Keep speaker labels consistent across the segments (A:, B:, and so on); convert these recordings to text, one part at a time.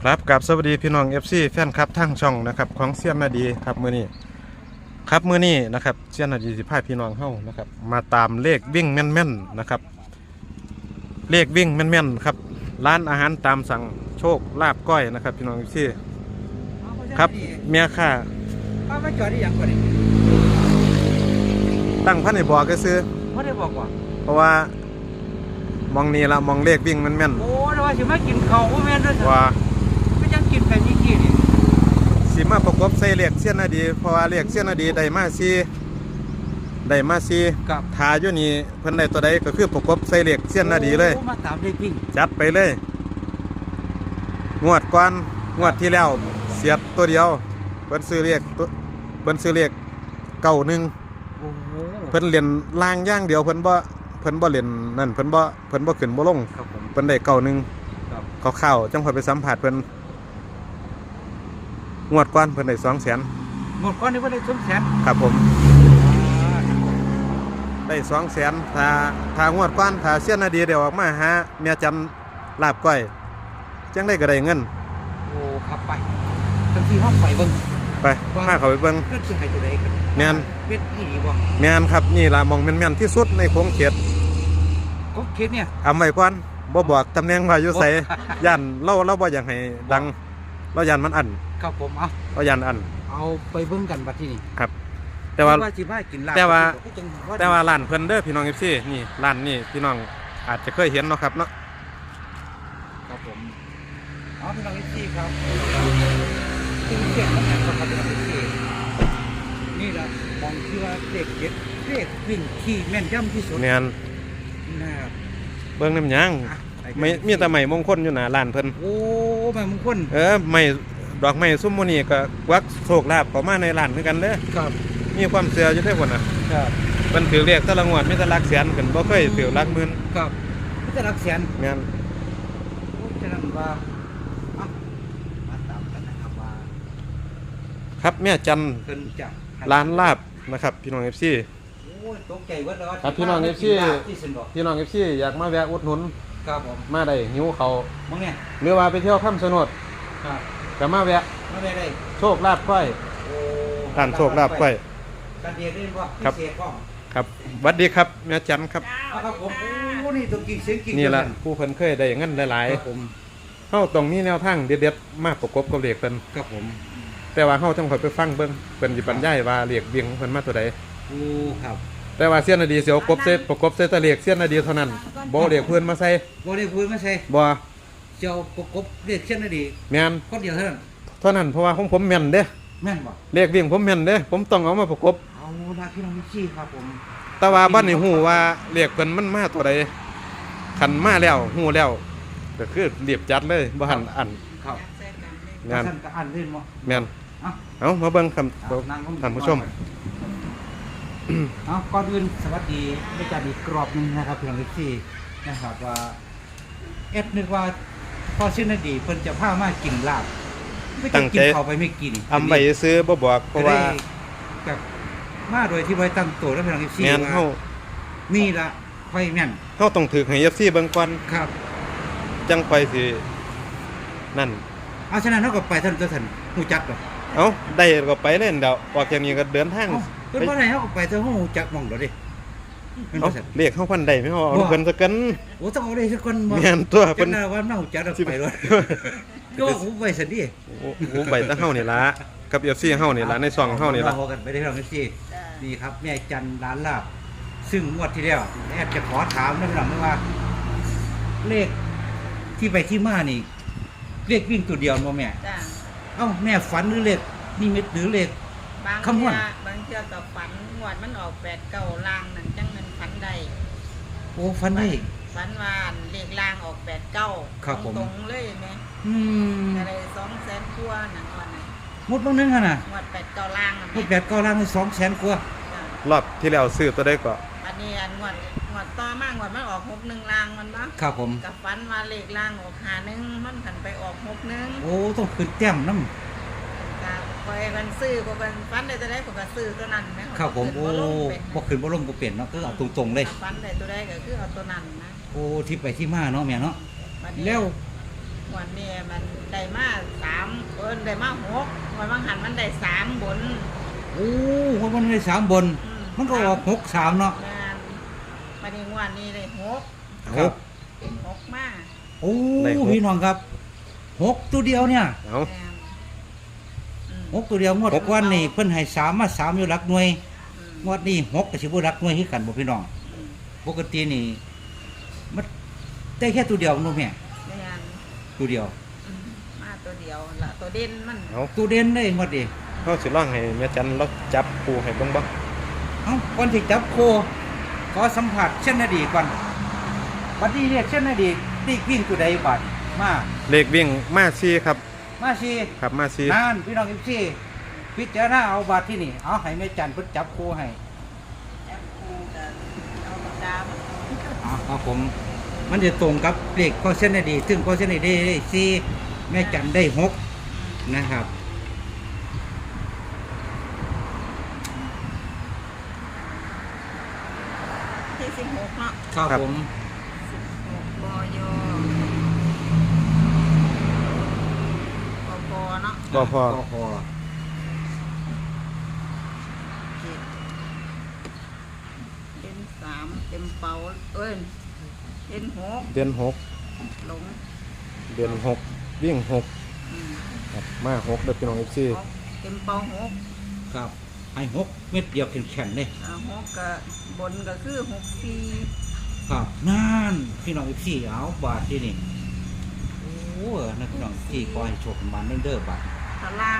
A: ครับกับสวัสดีพี่น้อง FC แฟนคลับทั้งช่องนะครับของเซียนนาดีครับมื้อนี้นะครับเซียนนาดีสิพาพี่น้องเฮานะครับมาตามเลขวิ่งแม่นๆนะครับเลขวิ่งแม่นๆครับร้านอาหารตามสั่งโชคลาบก้อยนะครับพี่น้อง FC ครับเมียค่า
B: มาจอดได้ยังก่อนนี่
A: ตั้งพันให้บอกก็ซื้อ
B: ไม่ได้บอกว่า
A: เพราะว่ามองนี่ละมองเลขวิ่งแม่น
B: โอ้แต่ว่าสิมากินข้าวบ่แม่นเด้อ
A: ว่า
B: ไม่จังกินแบบนี้นี่
A: สิมาประกบใส่เลขเซียนนาดีเพราะว่าเลขเซียนนาดีได้มา
B: กับ
A: ทาอยู่นี่เพิ่นได้ตัวใดก็คือประกบใส่เลขเซียนนาดีเลย
B: มาตามเลขวิ่ง
A: จัดไปเลยงวดก่อนงวดที่แล้วเสียดตัวเดียวเพิ่นซื้อเลข91
B: โอ้โห
A: เพิ่นเรียนล่างอย่างเดียวเพิ่นบ่เรียนนั่นเพิ่นบ่ขึ้นบ่ลงเพิ่นได้91เขาเข้าจังค่อยไปสัมภาษณ์เพิ่นงวดก่อนเพิ่นได้200,000
B: งวดก่อนนี่เพิ่นได้200,000
A: ครับผมได้200,000ถ้างวดก่อนถ้าเสียนนาดีเดี๋ยวออกมาหาเมียจันลาบก้อยจังได้ก็ได้เงิน
B: โอ้ขับไปบางทีห้องไปเบิ่ง
A: ไปพาเขาไปเบิ่ง
B: เพิ่นสิให้ตัวใดกัน
A: แม่น
B: เป็ดอีบ่
A: แม่นครับนี่ล่ะมองแม่นๆที่สุดในโค้งเขต
B: ก็เขตเนี่ย
A: อำไว้ก่อนบ่บอกตำแหน่งว่าอยู่ไสย่านเราบ่อยากให้ดังเราย่านมันอัน
B: ครับผม
A: เราย่านอัน
B: เอาไปเบิ่งกันบัดที่นี่
A: ครับแต่ว่า
B: สิมากินลาบ
A: แต่ว่าร้านเพิ่นเด้อพี่น้อง FC นี่ร้านนี่พี่น้องอาจจะเคยเห็นเนาะครับเนาะ
B: ครับผมพี่น้อง FC ครับที่เขียนนะครับพี่น้อง FC นี่ล่ะมองที่ว่าเลขวิ่งที่แม่นยำที่สุด
A: แม่น
B: นะครับ
A: เบิ่งน้ำยังไม่มีแต่ไม้มงคลอยู่หน้าร้านเพิ่น
B: โอ้ไม้มงคล
A: ไม้ดอกไม้ซุ่มโมนี่ก็วักโชคลาภเข้ามาในร้านคือกันเด้อ
B: ครับ
A: มีความเชื่ออยู่เด้อพุ่นน่ะ
B: ครับ
A: เพิ่นถือเลขแต่ละงวดมีแต่หลักแสนขึ้นบ่เคยถือหลักหมื่น
B: ครับมีแต่หลักแสน
A: แม่น
B: โอ้ฉะนั้นว่ามาตามกันนะครับว่า
A: ครับแม่จัน
B: เพิ่นจะ
A: ร้านลาบนะครับพี่น้อง FC
B: โอ้ตกใจเบิดแล้ว
A: ครับพี่น้อง FC อยากมาแวะอุดหนุน
B: ครับผม
A: มาได้หิวเขา
B: มื้อนี้
A: หรือว่าไปเที่ยวคำชะโนด
B: ครับ
A: ก็มาแวะ
B: ได้
A: โชคลาภก้อย
B: โอ้
A: ร้านโชคลาภก้อย
B: กันเดียวได้บ่พิเศษบ่
A: ครับสวัสดีครับแม่จันครับ
B: ครับผมโอ้นี่ตัวกิ่งเสียงกิ่ง
A: นี่ล่ะผู้เพิ่นเคยได้เงินหลาย
B: ๆครับผม
A: เฮาต้องมีแนวทางเด็ดๆมาประกบกับเลขเพิ่น
B: ครับผม
A: แต่ว่าเฮาต้องค่อยไปฟังเบิ่งเพิ่นสิบรรยายว่าเลขเวียงเพิ่นมาตัวใด
B: โอ้ครับ
A: แต่ว่าเสี้ยนนาดีเสียวประกบเซตเลขเสี้ยนนาดีเท่านั้นบ่เลขเพิ่นมาใส่
B: บ่เลขเพิ่นมาใส่
A: บ่
B: เจ้าประกบเลขเสี้ยนนาดี
A: แม่น
B: คนเดียวเท่านั้น
A: เพราะว่าของผมแม่นเด้
B: แม่นบ่
A: เลขวิ่งผมแม่นเด้ผมต้องเอามาประกบ
B: เอาล่ะพี่น้องพี่ครับผม
A: แต่ว่าบ่ได้ฮู้ว่าเลขเพิ่นมันมาตัวใดคันมาแล้วฮู้แล้วก็คือเรียบจัดเลยบ่หันอัน
B: ครับ
A: งาน
B: ก็อันเล่นบ่
A: แม่นเอามาเบิ่งคำท่านผู้ชม
B: ก่อนอื่นสวัสดีไม่จัดอีกกรอบนึงนะครับพี่น้องพี่นะครับว่านึกว่าพอชื่อนาดีเพิ่นจะพามากินลาบไม่ตั้งใจเขาไปไม่กิน
A: อำไปซื้อบ่บอกเพราะว่า
B: กับมาโดยที่ไว้ตั้งตัวแล้วพี่น้องพี่
A: แม่นเฮา
B: นี่ล่ะไฟแม่น
A: เฮาต้องถือให้ FC เบิ่งก่อน
B: ครับ
A: จังค่อยสินั่น
B: ฉะนั้นเฮาก็ไปท่านฮู้จักบ่
A: ได้ก็ไปเล่นเดี๋ยวออกจากนี้ก็เดินทาง
B: เพิ่นบ่ได้เฮาก็ไปเถอะเฮาฮู้จักหม่องเด้อดิ
A: เรียกเฮาพันได้มั้ยเฮาเอาเพิ่นซะกัน
B: โอ้ต้องเอาได้ซะก่อน
A: บ่แม่นตัว
B: เพิ่นว่าเฮาจักเอาไปเลยก็ฮู้ไว้ซะดิ
A: ฮู้ไปแต่เฮานี่ล่ะกับ FC เฮานี่ล่ะในช่องเฮานี่ล่ะ
B: เฮากันไปได้พี่น้อง FC นี่ครับแม่จันร้านลาบซึ่งงวดที่แล้วแอบจะขอถามนะพี่น้องว่าเลขที่ไปที่มานี่เลขวิ่งตัวเดียวบ่แม่จ้ะแม่ฝันหรือเลขนิมิตหรือเลข
C: บางเที่ยกับฝันงวดมันออก8-9ล่างนั่นจังมันฝันได้
B: โอ้ฝันได้
C: ฝันว่าเลขล่างออก8-9ตรงเลยแม่อะไร200,000กว่านั่นว่า
B: หมดบางนึงหั่นน่ะ
C: งวด8-9ล่าง
B: หมด8-9ล่างนี่200,000กว่
A: ารอบที่แล้วซื้อตัวใดก็
C: อันนี้งวดต่อมางวดมันออก61ล่างมันบ่
B: ครับผม
C: กับฝันว่าเลขล่างออก51มันกันไปออก61
B: โอ้ต้องขึ้นแต้มนำ
C: ไปมันซื้อบ่มันฟันได้ตัวใดก็ซื้อตัวนั้นแม่
B: ครับผมโอ้บ่ขึ้นบ่ลงบ่เปลี่ยนเนาะคือเอาตรงๆเลย
C: ฟันได้ตัวใดก็คือเอาตัวนั้นนะ
B: โอ้ที่ไปที่มาเนาะแม่เนาะแล้ว
C: งวันนี้มันได้มาได้มาวันบางหันมันได้3บน
B: โอ้มันได้3บนมันก็ออก63เนาะ
C: งานวันนี้วันนี้ได้6
B: ครับ
C: เป็น6มา
B: โอ้พี่น้องครับ6ตัวเดียวเนี่ย
A: เอา
C: แม่นอืม
B: 6ตัวเดียวงวดก่อนนี่เพิ่นให้3มา3อยู่หลักหน่วย
C: อืม
B: งวดนี้6ก็สิบ่หลักหน่วยคือกันบ่พี่น้อง
C: อืม
B: ปกตินี่มันได้แค่ตัวเดียวนู่นแม่
C: แม่น
B: ตัวเดียว
C: อืมมาตัวเดียวละตัวเด่นมัน
A: เอา
B: ตัวเด่นเลยงวดนี้
A: เขาสิร้องให้แม่จันเราจับปูให้เบิ่งบ่
B: เอ้าก่อนสิจับโคขอสัมผัสเช่นนาดีก่อนบัดนี้เรียกเช่นนาดีตีวิ่งตัวใดบัดมา
A: เลขวิ่งมาซีครับ
B: มาสิ
A: ครับมาซี
B: นั่นพี่น้องพี่พิจารณาเอาบัดที่นี่เอาให้แม่จันเพิ่นจับโคให้
C: แอปปูกับเอาปากกามา
B: ครับผมมันจะตรงกับเลขข้อเส้นนาดีซึ่งข้อเส้นนาดีได้4แม่จันได้6นะครับ
C: ที่16เนาะ
B: ครับผม
C: 16บยปเนาะ
A: บ่พอ
B: พอ
C: เป็น3เต็มเป๋าเป็น6
A: เดือน6
C: หลง
A: เดือน6วิ่ง6
C: อืม
A: ครับมา6เด้อพี่น้อง FC
C: หกเต็มเป๋า6
B: ครับให้6เม็ดเดียวแข็งๆเลย
C: 6กับบนก็คือ64
B: ครับนั่นพี่น้องพี่เอาบาทที่นี่โอ้นักพี่น้องที่ขอให้โชคมันเด้อบาท
C: ตาราง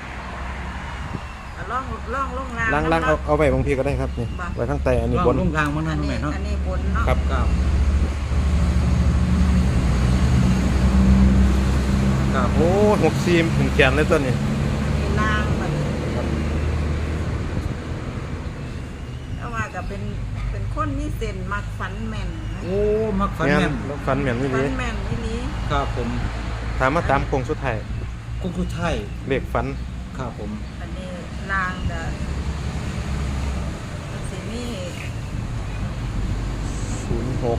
C: ล่องลงล่าง
A: ล้างเอาไว้บางทีก็ได้ครับนี่ไว้ข้างใต้อันนี้บน
B: ลงทางมัน
C: อั
B: นั่
C: น
B: น
C: นี้
B: แม่เนาะ
C: อันนี้บนเนาะ
A: ครับ
B: ครับครับ
A: โอ้64เป็นแกนเลยตัวนี้
C: มีล่างแบบแต่ว่าก็เป็นคนนี่เส้นมักฝันแม่นนะ
B: โอ้มักฝัน
A: แม่
B: แม่
A: น
B: น
A: ฟันแม่นนี่
C: ฝั
A: ดี
C: นแม่นนี่นี้
B: ครับผม
A: ถามมาตามโคงสุดท้าย
B: กุ้งสุดท้าย
A: เลขฟัน
B: ครับผม
C: อันนี้ล่างเด้อสินี่
A: 06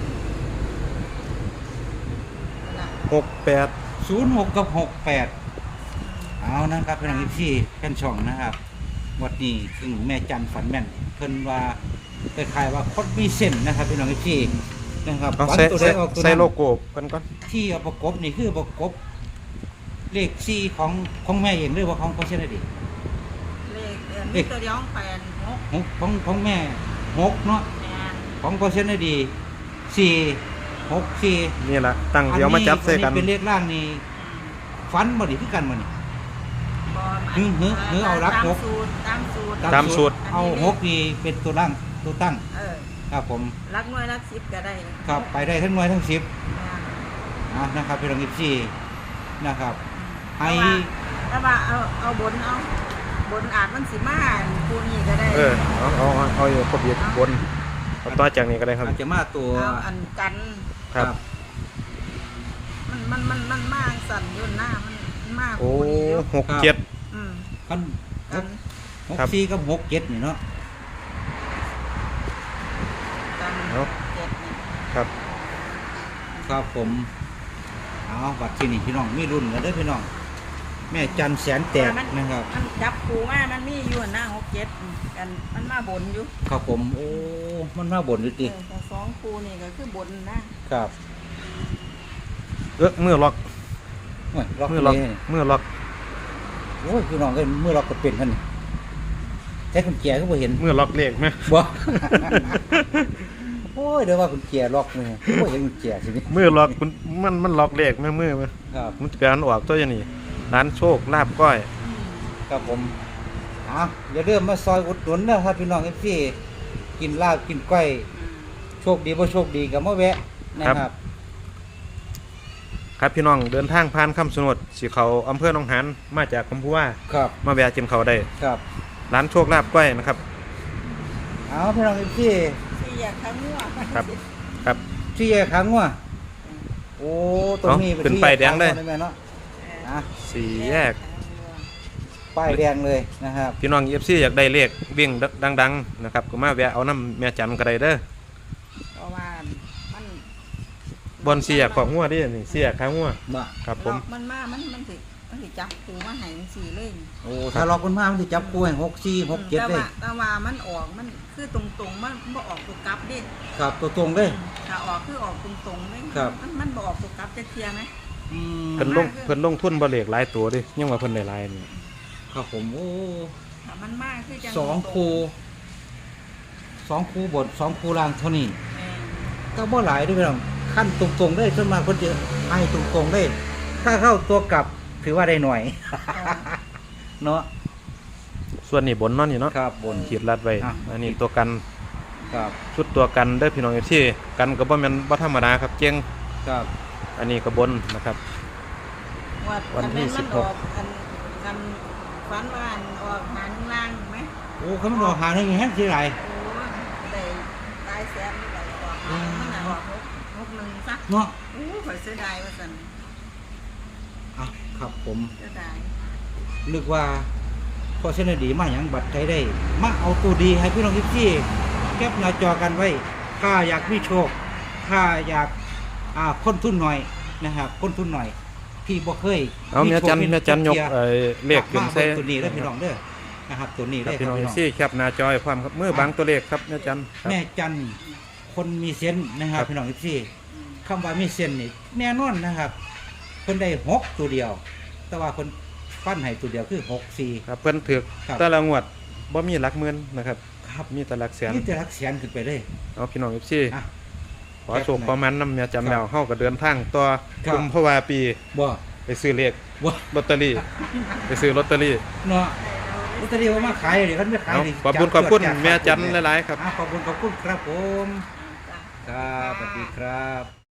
C: น่ะ
A: 68
B: 06กับ68เอานะครับพี่น้องพี่แค่นช่องนะครับวันนี้ซึ่งแม่จันฝันแม่นเพิ่นว่าคล้ายๆว่าคนมีเส้นนะครับพี่น้องพี่นะครับ
A: เอา
B: ฝัน
A: ใส่
B: ตัวใดออกตัว
A: ใส่
B: นั้น
A: โลโก้กันก่อน
B: ที่เอาประกบนี่คือประกบเลข4ของแม่เองหรือว่าของเช่นใดดี
C: เลขมีตัวเดียวของ8 6
B: ของแม่6เนาะ
C: แม่น
B: ของเช่นใดดี4 6 4
A: นี่ล่ะตั้งเดี๋ยวมาจับใส่กัน
B: อัเป็นเลขล่างนี่ฟันบ่ดีคือกันบ่นี่
C: บ่
B: หือเอารัก
C: ตาม
B: หก
C: สูตรตามสูตร
A: ตามสูตร
B: เอา6นี่เป็นตัวล่างตัวตั้ง ครับผม
C: รักหน่วยรัก10ก็ได้
B: ครับไปได้ทั้งหน่วยทั้ง10
C: แม่น
B: นะครับพี่น้อง14นะครับให้
C: แต่ว่าเอาบนอาจมันสิมาปูนี่ก็ได้
A: เอาอยู่ครบอยู่บนเอาต่อจากนี้ก็ได้ครับ
B: อาจจะมาตัว
C: เอาอันกัน
A: ครับ
C: มันมากสั่นอยู่หน้ามันมาก
A: โอ้
C: ปูนี่อยู่
A: 67
C: อืม
B: คัน
C: กัน
A: ครับ
B: 64กับ67นี่เนาะ
C: กัน
A: เอา
C: เจ็ดนี่
A: ครับ
B: ครับผมเอาบัตรที่นี่พี่น้องมีรุ่นกันเด้อพี่น้องแม่จันแสนแตกนะครับ
C: มันจับปูมามันมีอยู่หน้า67กันมันมาบนอยู่
B: ครับผมโอ้มันมาบ่นอยู่ติ
C: แต่สองปูนี่ก็คือบนนะครับ
A: มือล็อก
B: โอ้ยล็อก
A: มือล็อก
B: เลย
A: มือล็อก
B: โอ้ยพี่น้องเอ้ยมือล็อกก็เป็นกันนี่แต่คุณแก่ก็บ่เห็น
A: มือล็อกเลขไหม
B: บ่ โอ้ยเดี๋ยวว่าคุณแก่ล็อกนี่โอ้ยเห็นคุณแก่สินี่
A: มือล็อกมันล็อกเลขไหมมือไหม
B: ครับ
A: มันจะการออกตัวอย่างนี้ร้านโชคลาบก้อย
B: ครับผมเอาอย่าเริ่มมาซอยอุดหนุนนะครับพี่น้อง FC กินลาบกินก้อยโชคดีบ่โชคดีก็มาแวะนะครับ
A: ครับพี่น้องเดินทางผ่านคำสนดสีเขาอำเภอหนองหานมาจากคำพูว่า
B: ครับ
A: มาแวะจิมเขาได้
B: ครับ
A: ร้านโชคลาบก้อยนะครับ
B: เอาพี่น้อง FC
C: ที่อยากข้างหัว
A: ครับ ครับ
B: ที่แยกขังว่ะโอ้ตรงนี้
A: เป็นป้ายแดงเลย
B: แม่เนาะอ่ะ
A: สี่แยก
B: ป้ายแดงเลยนะครับ
A: พี่น้องเอฟซีอยากได้เลขวิ่งดังๆนะครับก็มาแวะเอาน้ำแม่จันก็ได้เด้อ
C: เพราะว่ามัน
A: บอนเสียของหัวดินี่เสียข้างหัว
B: บ่
A: ครับผม
C: ล็อกมันมามันสิจับตูมาให้จังซี่เลย
B: โอ้ถ้าล็อกมันมามันสิจับกูให้6 4 6 7เลย
C: แต่ว่ามันออกมันคือตรงๆมันบ่ออกตัวกลับเด้
B: ครับตัวตรงเลย
C: ถ้าออกคือออกตรงๆเลย
B: ครับ
C: มันบ่ออกตัวกลับจะเคลียร์ไหม
B: อืม
A: เพิ่นลงทุนบ่เลขหลายตัวดิยังว่าเพิ่นได้หลายนี่
B: ครับผมโอ้
C: ถ้ามันมากคือจัง
B: สองคูบท2คูล่างเท่านี้
C: แม่น
B: ก็บ่หลายเด้วยพี่น้องขั้นตรงๆได้ส่วนมากคนจะให้ตรงๆได้ ถ้าเข้าตัวกลับถือว่าได้หน่อย เนาะ
A: ส่วนนี้บนเนาะนี่เนาะ
B: ครับบน
A: ขีดลัดไว้
B: อ่ะ
A: อันนี้ตัวกัน
B: ครับ
A: ชุดตัวกันเด้อพี่น้องที่กันก็บ่แม่นบ่ธรรมดาครับเจ๋ง
B: ครับ
A: อันนี้ก็บนนะครับ วันที่
C: อั
A: 16
C: มันออกอันฝันว่าอันออกหางล่างไหม
B: โอ้เขาไม่รอหาได้ไงแฮะสิไร
C: โอ้ได้ตายแสนนี่แหละออกหางมันน่ะออกหกหนึ่งซะ
B: เนาะ
C: โอ้ข่อยเสียดายว่าซั่น
B: อ่ะครับผม
C: เสียดาย
B: นึกว่าพอเส้นดีมาอย่างบัตรใจได้ มาเอาตัวดีให้พี่น้องที่แคปหน้าจอกันไว้ ถ้าอยากมีโชค ถ้าอยากคนทุนหน่อยนะครับคนทุนหน่อย พี่บ่เคย
A: เอาแม่จันยกเลขขึ้นใส่
B: ตัวนี้เด้อพี่น้องเด้อนะครับตัวนี้
A: ครับ
B: ได้อ
A: พี่น้อง
B: พี่น้อง
A: ที่แคปหน้าจอยความครับมือบังตัวเลขครับแม่จันครับ
B: แม่จันคนมีเซนส์นะครับพี่น้องที่คำว่ามีเซนส์นี่แน่นอนนะครับเพิ่นได้6ตัวเดียว แต่ว่าเพิ่นปั้นให้ตัวเดียวคือ6
A: ครับเพิ่นถึก
B: ครับ
A: แต่ละงวดบ่มีหลักหมื่นนะครับ
B: 4ครับ
A: มีแต่หลักแสน
B: นี่จะรักแสนขึ้นไปเลย
A: เอาพี่น้องที่
B: อ่ะ
A: ขอโชคขอมันนำแม่จันแล้วเฮาก็เดินทางต่อ
B: ครับ
A: กุมภาวาปี
B: บ่
A: ไปซื้อเลข
B: บ่
A: ลอตเตอรี่ไปซื้อลอตเตอรี่
B: เนาะลอตเตอรี่ว่ามาขายเดี๋ยวเขาไม่ขาย
A: เอา
B: นี่
A: ขอบคุณ
B: จั
A: แม่จันหลายๆครับ
B: ขอบคุณครับผม
C: จ้ะ
B: ครับสวัสดีครับ